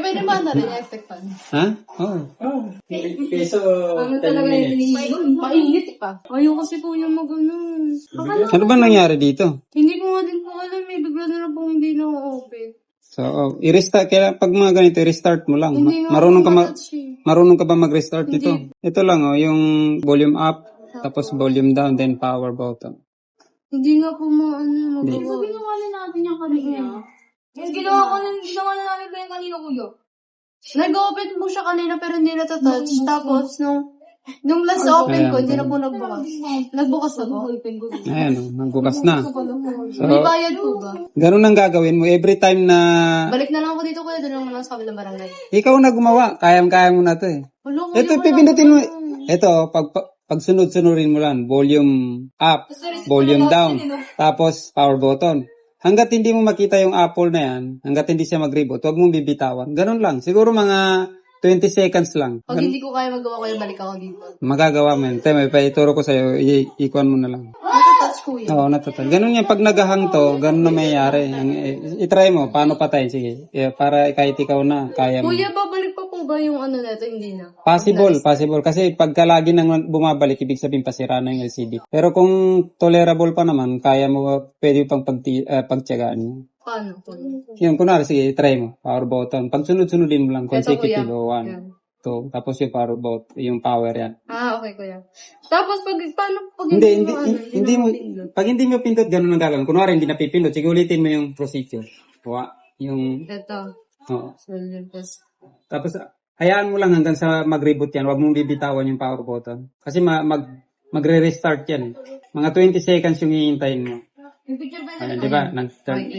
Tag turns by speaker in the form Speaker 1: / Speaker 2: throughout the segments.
Speaker 1: pwede ba na rin electric fan?
Speaker 2: Ha? Oo. Oh. Peso, 10 minutes.
Speaker 1: Mainit pa.
Speaker 3: Ayaw kasi po niya mag-ano.
Speaker 2: Ano ba nangyari dito?
Speaker 3: Hindi ko nga din po alam eh. Bigla na lang po hindi na-open.
Speaker 2: So, i-restart. Kaya pag mga ganito, i-restart mo lang.
Speaker 3: Hindi nga
Speaker 2: Marunong ka,
Speaker 3: po matouch eh.
Speaker 2: marunong ka ba mag-restart nito? Ito lang, yung volume up, tapos volume down, then power button.
Speaker 3: Hindi nga po maano
Speaker 2: Hindi.
Speaker 3: magawa.
Speaker 1: Ginawa na natin yung kanina.
Speaker 3: Yung ginawa na namin ba yung kanina kuya?
Speaker 1: Nag-open po siya kanina pero hindi natatouch. Tapos, nung last open ko, hindi na po nagbukas. Nagbukas na po.
Speaker 2: Ayan, nagbukas na.
Speaker 1: May bayad po ba?
Speaker 2: Ganun ang gagawin mo. Every time na
Speaker 1: Balik na lang ako dito kuya, doon lang naman sa kabilang barangay.
Speaker 2: ikaw na gumawa, kayang-kaya mo na to eh.
Speaker 1: Wala, kuya,
Speaker 2: Ito,
Speaker 1: wala.
Speaker 2: pipindutin mo. Ito, pag sunod-sunurin mo lang, volume up, volume down, tapos power button. Hanggat hindi mo makita yung apple na yan, hanggat hindi siya mag-reboot, huwag mong bibitawan. Ganun lang. Siguro mga 20 seconds lang.
Speaker 1: Pag hindi ko kaya magawa kuya, balik ako dito.
Speaker 2: Magagawa mo yun. May paituro ko sa'yo, ikuan mo na lang.
Speaker 1: Natatouch kuya.
Speaker 2: Oo, natatag. Ganun yan. Pag naghahang to, ganun na mayayari. I-try mo. Paano patayin? Sige. Para kahit ikaw na, kaya mo.
Speaker 1: Kuya, babalik pa po ba yung ano na ito? Hindi na.
Speaker 2: Possible. Kasi pagka lagi nang bumabalik, ibig sabihin pasira na yung LCD. Pero kung tolerable pa naman, kaya mo, pwede pang pagtiyagaan mo.
Speaker 1: Paano?
Speaker 2: Yun, kunwari, sige, try mo. Power button. Pag sunod-sunodin mo lang,
Speaker 1: Ito,
Speaker 2: consecutive,
Speaker 1: kuya.
Speaker 2: 1,
Speaker 1: Yan.
Speaker 2: 2, tapos yung power button, yung power yan.
Speaker 1: Ah, okay kuya. Tapos paano pag
Speaker 2: Hindi mo, pag hindi mo pindot, ganun ang gagawin. Kunwari, hindi napipindot, sige, ulitin mo yung procedure. Yung,
Speaker 1: Ito.
Speaker 2: oo.
Speaker 1: Tapos,
Speaker 2: Tapos, hayaan mo lang hanggang sa mag-reboot yan. Huwag mong bibitawan yung power button. Kasi magre-restart yan eh. Mga 20 seconds yung hihintayin mo. Ayan, di ba? Nag-start.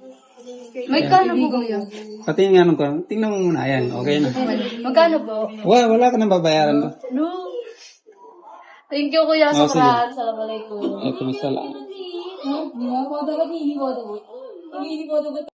Speaker 1: may kano po kuya?
Speaker 2: Pati nga nung ko, tingnan mo muna. Ayan, okay na.
Speaker 1: Magkano po?
Speaker 2: Wala ka nang babayaran ba?
Speaker 1: No. Thank you kuya
Speaker 2: Oh,
Speaker 1: sa
Speaker 2: sige.
Speaker 1: kuraan. Salamat po.
Speaker 2: Ito, masalamat.
Speaker 3: Hindi ko dapat.